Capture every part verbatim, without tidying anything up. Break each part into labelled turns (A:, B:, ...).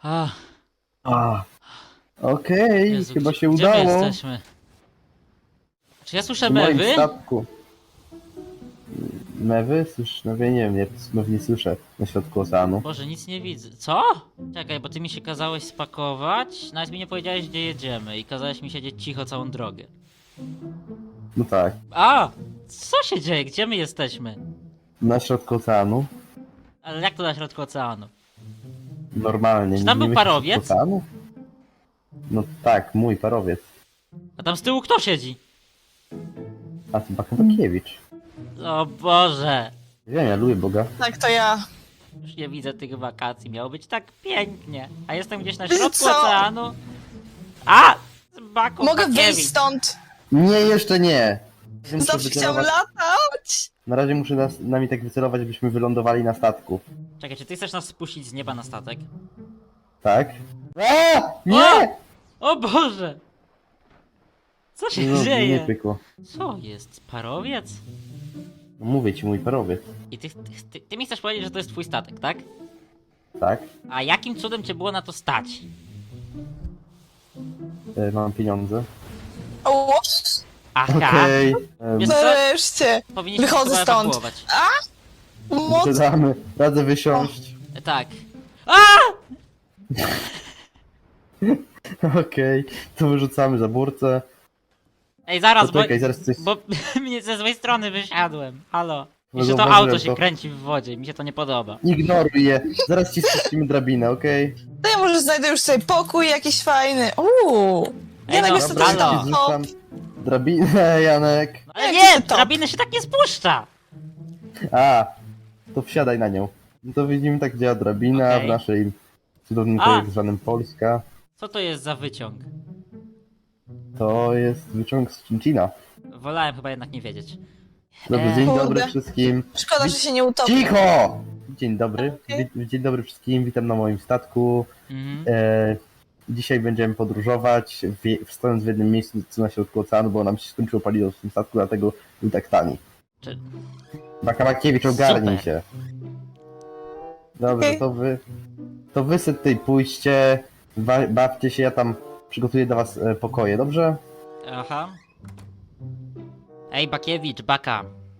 A: Ach,
B: A, okej,
A: Jezu,
B: chyba
A: gdzie,
B: się
A: gdzie my
B: udało.
A: jesteśmy? Czy ja słyszę
B: W moim
A: mewy?
B: statku. Mewy? Słyszysz mewy? Nie wiem, ja mew nie słyszę na środku oceanu.
A: Boże, nic nie widzę. Co? Czekaj, bo ty mi się kazałeś spakować, nawet mi nie powiedziałeś, gdzie jedziemy i kazałeś mi siedzieć cicho całą drogę.
B: No tak,
A: A! Co się dzieje? Gdzie my jesteśmy?
B: na środku oceanu.
A: Ale jak to na środku oceanu?
B: Normalnie.
A: Czy tam
B: nie
A: był
B: myślisz
A: parowiec?
B: środku oceanu? No tak, mój parowiec.
A: A tam z tyłu kto siedzi?
B: A to Bakabakiewicz.
A: O Boże!
B: Wiem, ja lubię Boga.
C: Tak, to ja.
A: Już nie widzę tych wakacji, miało być tak pięknie. A jestem gdzieś na środku
C: Co?
A: oceanu. A! Baku,
C: Mogę
A: Bakiewicz.
C: wyjść stąd.
B: Nie, jeszcze nie! Muszę
C: Zawsze chciałam
B: wycelować-
C: latać.
B: Na razie muszę nas, nami tak wycelować, żebyśmy wylądowali na statku.
A: Czekaj, czy ty chcesz nas spuścić z nieba na statek?
B: Tak? A! Nie!
A: O Boże! Co się
B: No, nie
A: dzieje?
B: pykło.
A: Co jest? Parowiec?
B: No, mówię ci, mój parowiec.
A: I ty, ty, ty, ty mi chcesz powiedzieć, że to jest twój statek, tak?
B: Tak?
A: A jakim cudem cię było na to stać?
B: E, mam pieniądze.
C: O,
A: Aha!
B: Okej. Okay.
A: Wiesz co?
C: nareszcie.
A: Powinniśmy
C: Wychodzę
A: chyba
C: stąd.
A: ewakuować.
C: Moc.
B: Wysiadamy. Radzę wysiąść.
A: E, Tak. A!
B: Okej. To wyrzucamy za burtę.
A: Ej, zaraz, bo,
B: Poczekaj, zaraz coś...
A: bo mnie ze złej strony wysiadłem. Halo.
B: No
A: Jeszcze to
B: zauważyłem
A: auto się
B: to.
A: kręci w wodzie, mi się to nie podoba.
B: Ignoruj je. Zaraz ci spuścimy drabinę, okej?
C: To ja może znajdę już sobie pokój jakiś fajny. Uuu.
A: Ej,
C: Janek
A: no,
C: jest
A: dobra,
C: tutaj
A: halo.
C: tam.
B: Ci
C: Hop.
B: zrzucam drabinę, Janek.
A: No, ale
C: Jak
A: nie,
C: to top?
A: drabiny się tak nie spuszcza.
B: A, to wsiadaj na nią. No to widzimy, tak działa drabina
A: Okej.
B: w naszej cudownym
A: A.
B: kraju zwanym Polska.
A: Co to jest za wyciąg?
B: To jest wyciąg z Cincina.
A: Wolałem chyba jednak nie wiedzieć.
B: Dobry,
A: Eee.
B: dzień
C: Kurde.
B: dobry wszystkim.
C: Szkoda, że się nie utopi.
B: Cicho! Dzień dobry.
C: Okej.
B: Wi- Dzień dobry wszystkim, witam na moim statku.
A: Mhm.
B: E, dzisiaj będziemy podróżować, w, stojąc w jednym miejscu co na środku oceanu, bo nam się skończyło paliwo w tym statku, dlatego był tak tani.
A: Czy...
B: Bakamakiewicz, ogarnij
A: Super.
B: się. Dobrze,
C: Okej.
B: to wy, to wy sobie tutaj pójście, ba, bawcie się, ja tam przygotuję dla was e, pokoje, dobrze?
A: Aha. Ej, Bakiewicz, Baka.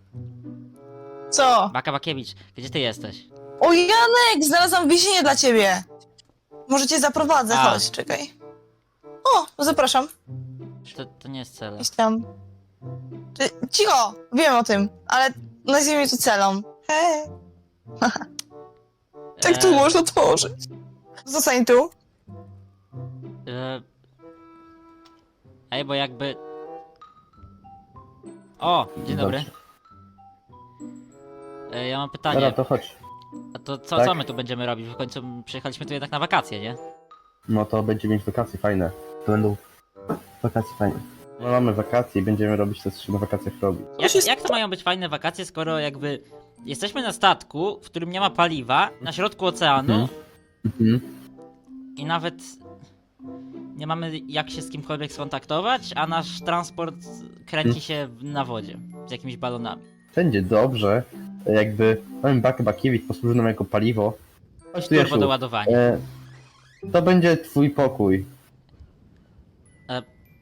C: Co?
A: Baka Bakiewicz, gdzie ty jesteś?
C: O, Janek, znalazłam więzienie dla ciebie. Może cię zaprowadzę,
A: A.
C: chodź, czekaj. O, zapraszam.
A: To, to nie jest cel.
C: Idź tam. Ty, cicho, wiem o tym, ale nazwijmy to celą. Hej. Jak tu
A: Eee,
C: można tworzyć? Zostań tu.
A: E... Ej, bo jakby... O, dzień dobry.
B: Dobrze.
A: E, ja mam
B: Dobra,
A: pytanie.
B: to chodź.
A: A to co,
B: Tak?
A: co my tu będziemy robić? W końcu przyjechaliśmy tu jednak na wakacje, nie?
B: No to będziemy mieć wakacje fajne. To będą wakacje fajne. No mamy wakacje i będziemy robić to, co się na wakacjach robi.
A: Jak,
C: się
A: jak to mają być fajne wakacje, skoro jakby jesteśmy na statku, w którym nie ma paliwa, na środku oceanu
B: Mhm. Mhm.
A: i nawet nie mamy jak się z kimkolwiek skontaktować, a nasz transport kręci się w- na wodzie z jakimiś balonami.
B: Będzie dobrze, jakby mamy Bakę Bakiewicz posłuży nam jako paliwo. Chodź tu,
A: Turbo
B: Jasiu.
A: do ładowania.
B: E, to będzie twój pokój.
A: E,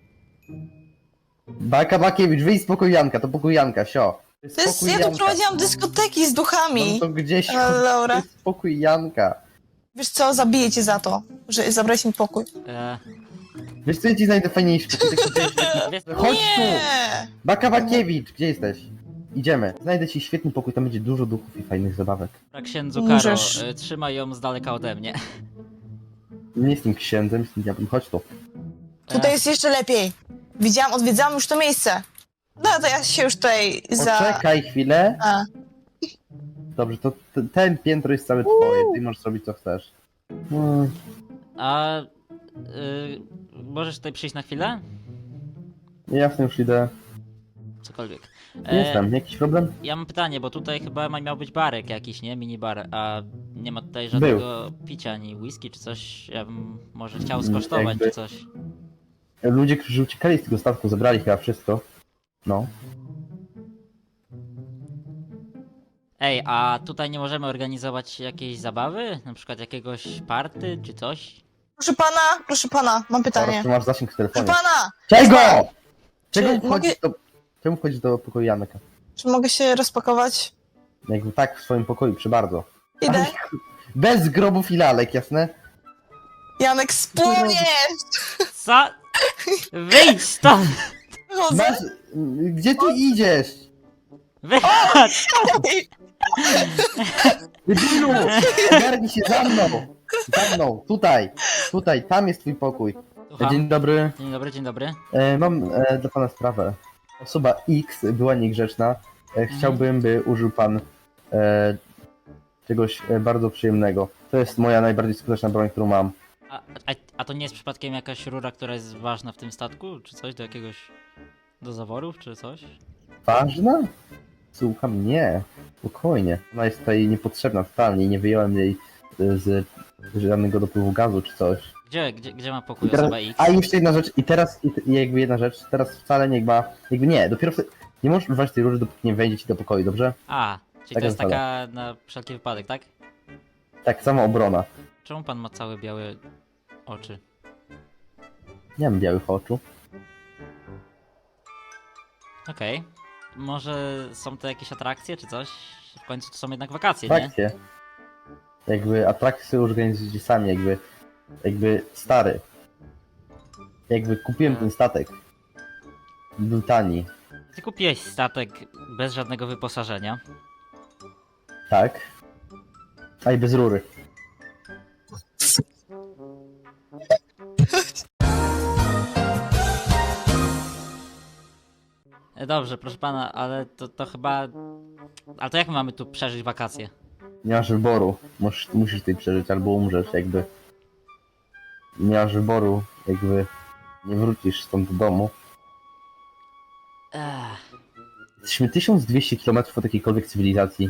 B: Baka Bakiewicz, wyjdź z pokoju Janka, to pokój Janka, sio. To
C: To jest,
B: pokój
C: ja tu
B: Janka.
C: prowadziłam dyskoteki z duchami.
B: No to gdzieś
C: Ale
B: to
C: Laura,
B: jest pokój Janka.
C: wiesz co, zabiję cię za to, że zabrałeś mi pokój.
A: e,
B: Wiesz co, ja ci znajdę fajniejszy pokój. taki gdzieś-
A: wiesz,
B: Chodź tu!
C: Nie!
B: Baka Bakiewicz, gdzie jesteś? Idziemy. Znajdę ci świetny pokój, tam będzie dużo duchów i fajnych zabawek.
A: księdzu Karo,
C: Możesz.
A: e, trzymaj ją z daleka ode mnie.
B: Nie jestem księdzem, jestem diabłem, chodź tu.
C: Tutaj
A: E,
C: jest jeszcze lepiej. Widziałam, odwiedzałam już to miejsce. No to ja się już tutaj za...
B: Poczekaj chwilę.
C: A.
B: Dobrze, to t- ten piętro jest całe twoje, ty możesz robić co chcesz. No,
A: a y, możesz tutaj przyjść na chwilę?
B: jasne, już idę.
A: Cokolwiek.
B: Jestem, jakiś problem?
A: Ja mam pytanie, bo tutaj chyba ma- miał być barek jakiś, nie? Minibar, a nie ma tutaj żadnego picia, ani whisky czy coś. Ja bym może chciał
B: Mm,
A: skosztować
B: jakby-
A: czy coś.
B: Ludzie, którzy uciekali z tego statku, zabrali chyba wszystko. No.
A: Ej, a tutaj nie możemy organizować jakiejś zabawy? Na przykład jakiegoś party czy coś?
C: Proszę pana, proszę pana, mam pytanie.
B: Teraz tu masz zasięg w
C: Proszę
B: telefonie.
C: pana,
B: Czego?
C: Czy
B: Czego
C: mogę-
B: wchodzisz do... Czemu wchodzisz do pokoju Janeka?
C: czy mogę się rozpakować?
B: Jakby tak, w swoim pokoju, przy bardzo.
C: Idę.
B: Bez grobów i lalek, jasne?
C: Janek, spłonie!
A: Co? Wyjdź stąd!
C: Chodzę.
B: Masz... Gdzie ty idziesz?
A: Wychodź!
B: Debilu! Ogarnij się za mną! Za mną, tutaj! Tutaj, tam jest twój pokój.
A: Słucham.
B: Dzień dobry.
A: Dzień dobry, dzień dobry.
B: E, mam e, dla pana sprawę. Osoba X była niegrzeczna. E, chciałbym, by użył pan e, czegoś e, bardzo przyjemnego. To jest moja najbardziej skuteczna broń, którą mam.
A: A, a, a to nie jest przypadkiem jakaś rura, która jest ważna w tym statku? Czy coś do jakiegoś... do zaworów, czy coś?
B: Ważna? Słucham, nie. Spokojnie. Ona jest tutaj niepotrzebna totalnie i nie wyjąłem jej e, z żadnego dopływu gazu czy coś.
A: Gdzie, gdzie, gdzie ma pokój
B: I teraz,
A: osoba X?
B: a jeszcze jedna rzecz, i teraz, i, i jakby jedna rzecz, teraz wcale nie ma, jakby nie, dopiero wtedy, nie możesz używać tej róży, dopóki nie wejdzie ci do pokoju, dobrze?
A: A, czyli
B: Taka
A: to jest
B: zasada.
A: taka na wszelki wypadek, tak?
B: Tak, sama obrona.
A: Czemu pan ma całe białe oczy?
B: Nie mam białych oczu.
A: Okej. Może są to jakieś atrakcje, czy coś? W końcu to są jednak wakacje, nie?
B: Atrakcje. Jakby atrakcje sobie organizujecie sami, jakby, jakby stary. Jakby kupiłem ten statek. Był tani,
A: Ty kupiłeś statek bez żadnego wyposażenia.
B: tak? A i bez rury.
A: E, Dobrze, proszę pana, ale to, to chyba... Ale to jak my mamy tu przeżyć wakacje?
B: Nie masz wyboru. Musisz, musisz tutaj przeżyć, albo umrzesz, jakby. Nie masz wyboru, jakby. Nie wrócisz stąd do domu.
A: Ech.
B: Jesteśmy tysiąc dwieście kilometrów od jakiejkolwiek cywilizacji.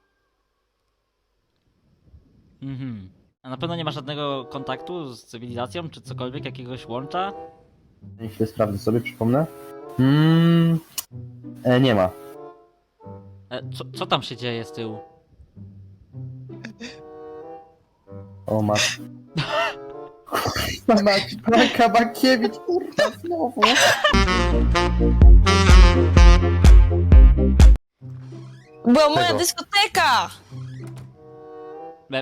A: Mhm. A na pewno nie ma żadnego kontaktu z cywilizacją, czy cokolwiek, jakiegoś łącza?
B: Chwilę sprawdzę sobie, przypomnę. Mm, e, nie ma.
A: E, co, co tam się dzieje z tyłu?
B: O mat. Kurwa mać, Blanka Bakiewicz, kurwa znowu.
C: Była moja
B: Czego?
C: dyskoteka!
A: E,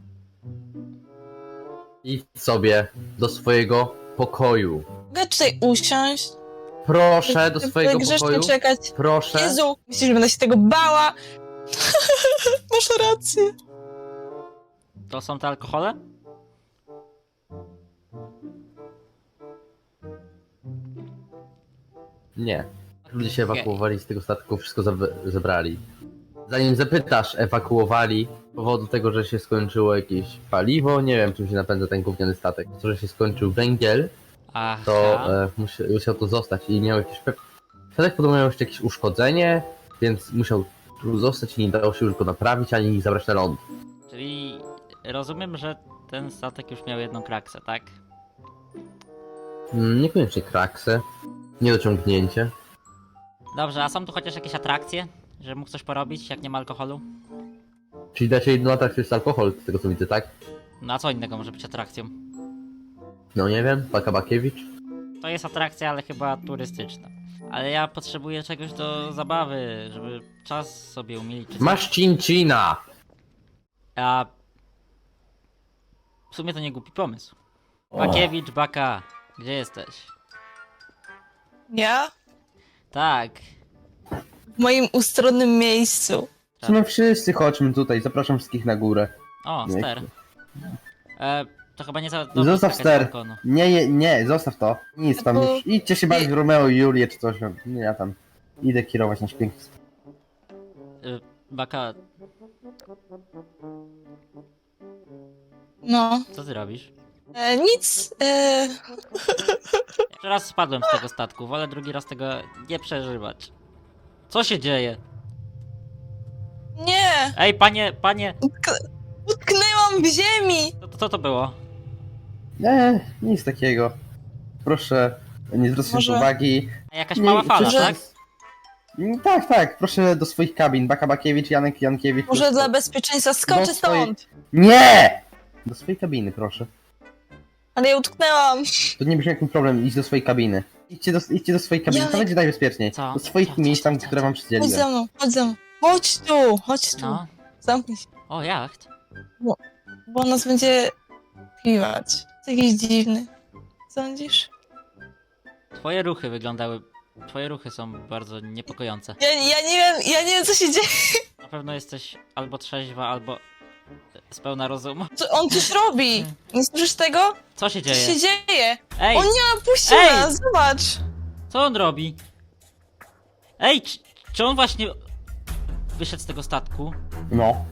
B: Idź sobie do swojego pokoju.
C: Mogę tutaj usiąść?
B: Proszę, do swojego
C: grzecznie
B: pokoju.
C: czekać.
B: Proszę.
C: Jezu, myślisz, że będę się tego bała? Masz rację.
A: to są te alkohole?
B: Nie. Ludzie się ewakuowali z tego statku, wszystko zabe- zebrali. Zanim zapytasz, ewakuowali z powodu tego, że się skończyło jakieś paliwo, nie wiem czym się napędza ten gówniany statek. To, że się skończył węgiel,
A: Aha.
B: to e, musi, musiał tu zostać i miał jakieś... pe- Statek podobno miał jeszcze jakieś uszkodzenie, więc musiał tu zostać i nie dało się już go naprawić, ani zabrać na ląd.
A: Czyli rozumiem, że ten statek już miał jedną kraksę, tak?
B: Mm, Niekoniecznie kraksę, niedociągnięcie.
A: Dobrze, a są tu chociaż jakieś atrakcje? Że mógł coś porobić, jak nie ma alkoholu?
B: Czyli dacie jedną atrakcję jest alkohol, z tego co widzę, tak?
A: No a co innego może być atrakcją?
B: No nie wiem, Baka Bakiewicz.
A: To jest atrakcja, ale chyba turystyczna. Ale ja potrzebuję czegoś do zabawy, żeby czas sobie umilić. czy coś.
B: Masz Cincina!
A: A... W sumie to nie głupi pomysł.
B: O.
A: Bakiewicz, Baka, gdzie jesteś?
C: Ja?
A: Tak.
C: W moim ustronnym miejscu.
B: W sumie wszyscy chodźmy tutaj, zapraszam wszystkich na górę.
A: O,
B: Nie.
A: ster. E, to chyba nie za dobrze
B: Zostaw
A: skakać z
B: ster.
A: balkonu.
B: Nie, nie, nie, zostaw to. Nic tam
C: Bo-
B: już. Idźcie się bawić w Romeo i Julię czy coś. Nie, ja tam idę kierować nasz piękny st-
A: E, Baka,
C: No.
A: co ty robisz?
C: E, nic. E,
A: Jeszcze raz spadłem z tego statku, wolę drugi raz tego nie przeżywać. Co się dzieje?
C: nie.
A: Ej, panie, panie,
C: Utk- utknęłam w ziemi.
A: co, co to było?
B: Nie, nic takiego. Proszę, nie zwracać
C: Może-
B: uwagi.
A: A jakaś
B: Nie,
A: mała fala,
B: proszę-
A: tak?
B: Mm, Tak, tak, proszę do swoich kabin. Baka Bakiewicz, Janek Jankiewicz.
C: Może
B: proszę.
C: dla bezpieczeństwa skoczę
B: Do swojej-
C: stąd.
B: Nie! Do swojej kabiny, proszę.
C: Ale ja utknęłam.
B: To nie brzmi jak problem, idź do swojej kabiny. Idźcie do, idźcie do swojej kabiny, to
C: Janek-
B: będzie najbezpieczniej.
A: Co?
B: Do swoich
A: Co, co,
B: miejsc tam,
A: co,
B: które
A: co?
B: wam
C: Chodź
B: przydzieliłem.
C: ze mną, chodź ze mną. Chodź tu, chodź tu.
A: No.
C: Zamknij się,
A: O, jacht.
C: bo on nas będzie piwać. Jest jakiś dziwny. Sądzisz?
A: Twoje ruchy wyglądały... Twoje ruchy są bardzo niepokojące.
C: Ja, ja nie wiem, ja nie wiem co się dzieje.
A: Na pewno jesteś albo trzeźwa, albo z pełna rozumu.
C: Co- On coś robi. Nie słyszysz tego?
A: Co się
C: Co się
A: dzieje?
C: dzieje?
A: Ej,
C: On nie opuścił
A: Ej!
C: nas, zobacz.
A: co on robi? Ej, czy, czy on właśnie wyszedł z tego statku?
B: No.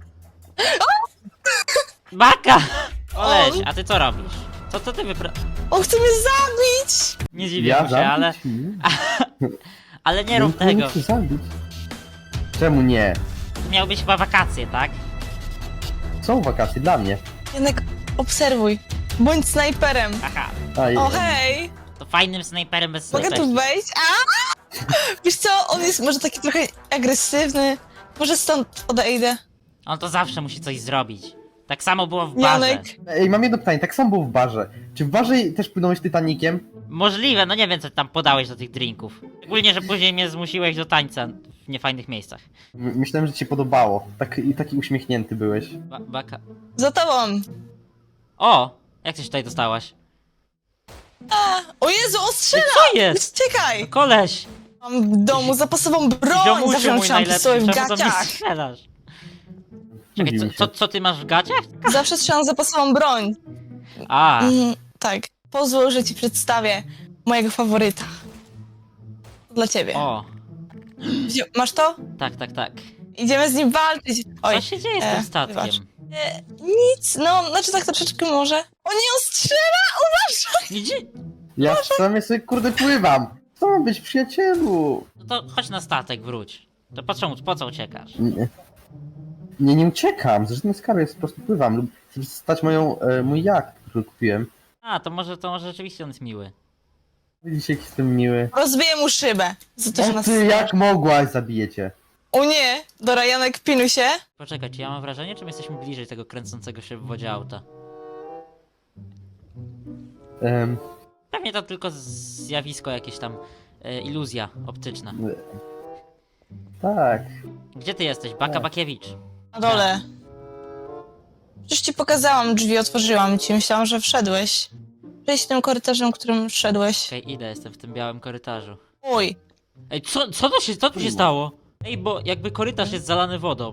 A: Baka! Oleś,
C: On?
A: a ty co robisz? Co, co ty wypra...
C: On chce mnie zabić.
A: Nie dziwię
B: Ja
A: mu się, ale...
B: zabić? Nie.
A: Ale nie rób
B: No, to nie
A: tego.
B: chcę zabić. Czemu nie?
A: Miał być chyba wakacje, tak?
B: Są wakacje dla mnie.
C: Janek, obserwuj. Bądź snajperem.
A: Aha,
B: A,
C: O hej!
A: to fajnym snajperem bez
C: Mogę tu
A: snajperki.
C: wejść? A! Wiesz co, on jest może taki trochę agresywny. Może stąd odejdę.
A: On to zawsze musi coś zrobić. Tak samo było w barze.
C: Janek,
B: Ej, mam jedno pytanie, tak samo było w barze. Czy w barze też płynąłeś Titanikiem?
A: Możliwe, no nie wiem co tam podałeś do tych drinków. Szczególnie, że później mnie zmusiłeś do tańca w niefajnych miejscach.
B: M- myślałem, że ci się podobało. Tak, i taki uśmiechnięty byłeś.
A: Ba baka...
C: za tobą.
A: O! Jak ty się tutaj dostałaś?
C: A, o Jezu, on
A: Ej,
C: strzela!
A: co jest?
C: Czekaj!
A: Koleś!
C: Mam w domu zapasową broń!
A: Ziomusiu
C: Zawsze
A: mój
C: trzymam
A: najlepszy,
C: pistolet w
A: czemu do mnie
C: gaciach.
A: strzelasz? Czekaj,
B: Mówił
A: co,
B: mi się.
A: co, co ty masz w gaciach?
C: Zawsze trzymam zapasową broń.
A: A,
C: Mm, tak. Pozwól, że ci przedstawię mojego faworyta. To dla ciebie.
A: o,
C: Wzi- Masz to?
A: tak, tak, tak.
C: Idziemy z nim walczyć. Oj,
A: Co się dzieje z
C: e,
A: tym statkiem?
C: wybacz. e, nic, no, znaczy tak troszeczkę może. O nie, on strzela! Uważaj!
A: Idzie...
B: Ja sam sobie kurde pływam. Co ma być, przyjacielu?
A: No to chodź na statek, wróć. To po co, po co uciekasz?
B: Nie, nie, nie uciekam. Z żadnej skarby, po prostu pływam. Lub chcę stać moją, e, mój jacht, który kupiłem.
A: A, to może, to może rzeczywiście on jest miły.
B: Widzicie, jak jestem miły.
C: Rozbiję mu szybę. Za to, że
B: O
C: nas
B: ty, jak mogłaś, zabijecie.
C: O nie! Dobra, Janek, pinuj się.
A: Poczekaj, czy ja mam wrażenie, czy my jesteśmy bliżej tego kręcącego się w wodzie auta?
B: Um,
A: Pewnie to tylko zjawisko jakieś tam, e, iluzja optyczna.
B: tak.
A: Gdzie ty jesteś? Baka
B: Tak.
A: Bakiewicz.
C: Na dole. Przecież ci pokazałam drzwi, otworzyłam ci. Myślałam, że wszedłeś. Przejdź tym korytarzem, którym wszedłeś.
A: Okej, idę, jestem w tym białym korytarzu.
C: Oj,
A: Ej, co, co to się, co tu się stało? Ej, bo jakby korytarz jest zalany wodą.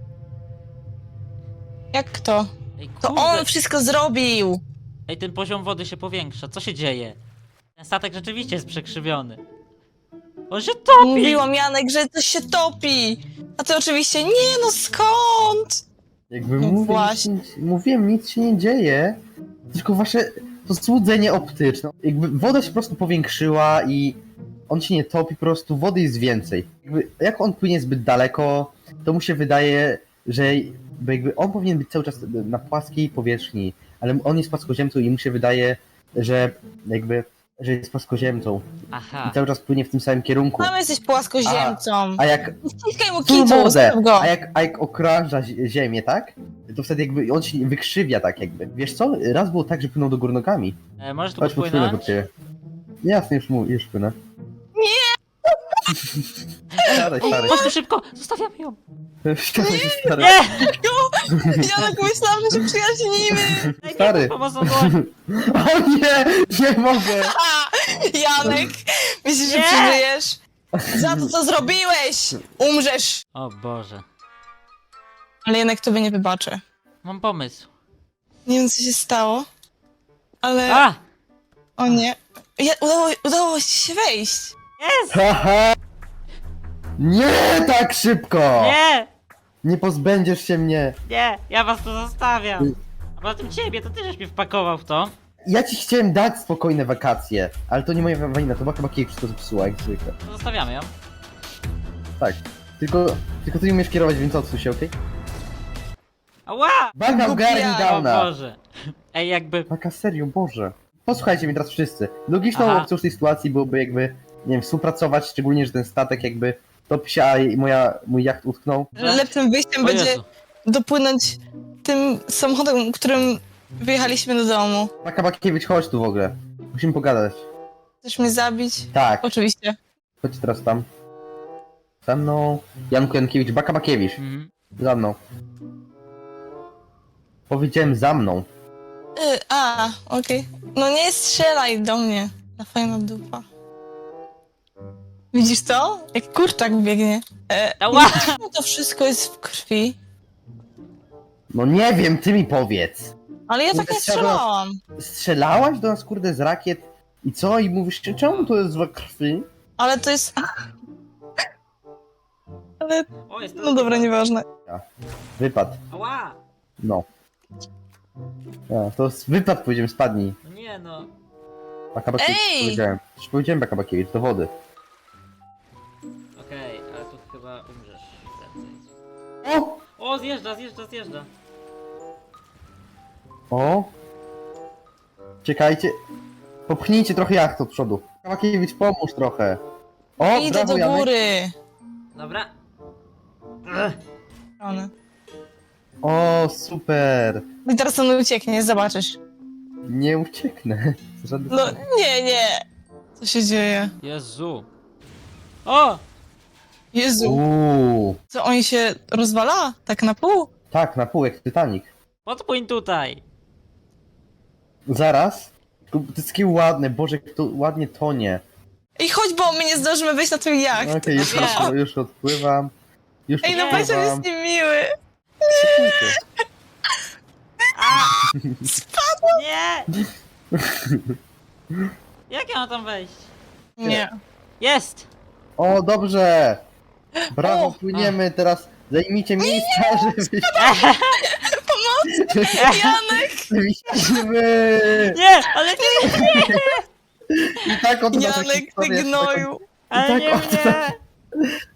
C: jak to?
A: Ej,
C: To
A: kurde.
C: on wszystko zrobił!
A: Ej, ten poziom wody się powiększa, co się dzieje? Ten statek rzeczywiście jest przekrzywiony. On się topi!
C: Mówiłam, Janek, że coś się topi! A ty oczywiście, nie no skąd?
B: Jakby
C: No
B: mówię,
C: właśnie.
B: nic, mówiłem, nic się nie dzieje. Tylko wasze to złudzenie optyczne. Jakby woda się po prostu powiększyła i on się nie topi, po prostu wody jest więcej. Jakby, jak on płynie zbyt daleko, to mu się wydaje, że bo jakby on powinien być cały czas na płaskiej powierzchni, ale on jest płaskoziemcą i mu się wydaje, że jakby, że jest płaskoziemcą
A: Aha.
B: i cały czas płynie w tym samym kierunku.
C: Tam jesteś płaskoziemcą.
B: A jak
C: Ściskaj mu
B: tu
C: kitu,
B: mordę,
C: zostaw go.
B: a jak, a jak okrąża zi- ziemię, tak? To wtedy jakby on się wykrzywia tak jakby. Wiesz co? Raz było tak, że płynął do góry nogami.
A: E, możesz tu
B: Chodź, podpłynę pod
A: podpłynąć?
B: ciebie. Jasne, już, mu, już płynę. Nie! Stary, stary.
A: Chodź tu szybko! Zostawiamy ją!
B: Stary, stary.
A: Nie!
C: Janek, myślałam, że się przyjaźnimy.
A: Daj
B: Stary.
A: mi pomocną dłoń!
B: O nie! Nie mogę!
C: A, Janek, myślisz, że
A: Nie.
C: przeżyjesz? Za to, co zrobiłeś! Umrzesz!
A: O Boże.
C: Ale Janek tobie nie wybaczę.
A: Mam pomysł.
C: Nie wiem, co się stało, ale...
A: A!
C: O nie. Ja, udało, udało ci się wejść.
A: Jest!
B: Haha! Nie tak szybko!
A: Nie!
B: Nie pozbędziesz się mnie!
A: Nie! Ja was tu zostawiam! A poza tym ciebie, to ty żeś mnie wpakował w to.
B: Ja ci chciałem dać spokojne wakacje, ale to nie moja wina, to Baka Bakiewicz wszystko zepsuła, jak zwykle.
A: To zostawiamy ją.
B: Tak. Tylko, tylko ty nie umiesz kierować, więc odsuń się, okej?
A: Ała!
B: Baka ogarnij
C: Głupia.
A: O
B: downa!
A: Boże. Ej, jakby...
B: Baka, serio, Boże. Posłuchajcie mnie teraz wszyscy. Logiczną
A: Aha.
B: opcją w tej sytuacji byłoby jakby nie wiem, współpracować, szczególnie, że ten statek jakby topi się, a i moja, mój jacht utknął.
C: Lepszym wyjściem
A: O
C: będzie
A: Jezu.
C: dopłynąć tym samochodem, którym wyjechaliśmy do domu.
B: Baka Bakiewicz, chodź tu w ogóle. Musimy pogadać.
C: Chcesz mnie zabić?
B: Tak,
C: Oczywiście.
B: chodź teraz tam. Za mną. Janku Jankiewicz, Baka Bakiewicz.
A: Mhm.
B: Za mną. Powiedziałem za mną.
C: Y, a, okej. No nie strzelaj do mnie. Na fajna dupa. Widzisz to? Jak kurczak biegnie. E,
A: Ała!
C: czemu to wszystko jest w krwi?
B: No nie wiem, ty mi powiedz.
C: Ale ja tak
B: Kurde,
C: nie
B: chciałbym-
C: strzelałam.
B: Strzelałaś do nas, kurde, z rakiet i co? I mówisz, czemu to jest we krwi?
C: Ale to jest... Ale...
A: O, jest
C: No dobra, nieważne.
B: Wypad.
A: Ała!
B: No. Ja, to jest wypad, powiedziałem, spadnij.
A: No nie no.
B: Baka Bakiewicz,
C: Ej!
B: powiedziałem. Już powiedziałem Baka Bakiewicz, do wody.
A: Okej, ale tu chyba umrzesz prędzej.
B: O!
A: O, zjeżdża, zjeżdża, zjeżdża.
B: O! Czekajcie. Popchnijcie trochę jacht od przodu. Baka Bakiewicz, pomóż trochę. O,
C: Idę
B: brawo,
C: do
B: Janek.
C: góry.
A: Dobra. Ech.
C: One.
B: O, super.
C: I teraz on ucieknie, zobaczysz.
B: Nie ucieknę. Żaden...
C: No nie, nie. Co się dzieje?
A: Jezu. O!
C: Jezu.
B: Uuu.
C: Co, on się rozwala? Tak na pół?
B: Tak, na pół jak Titanic.
A: Podpłyń tutaj.
B: Zaraz. To jest takie ładne, Boże, jak to ładnie tonie.
C: I chodź, bo my nie zdążymy wejść na ten jacht.
B: Okej, już,
A: Wiem.
B: już, już odpływam. Już
C: Ej, no
A: Nie.
C: Basia
B: odpływam.
C: jest niemiły.
B: Spokójcie.
A: Nie! Jak ja mam tam wejść?
C: Nie.
A: Jest!
B: O, dobrze! Brawo,
C: O.
B: płyniemy, teraz zajmijcie miejsca, żeby...
C: Janek!
B: Żebyśmy...
A: Nie! Ale nie!
B: I tak oto nasza
C: Janek, ty
B: historia się
C: gnoju.
A: Ale
B: tak
A: nie
B: oto
A: mnie!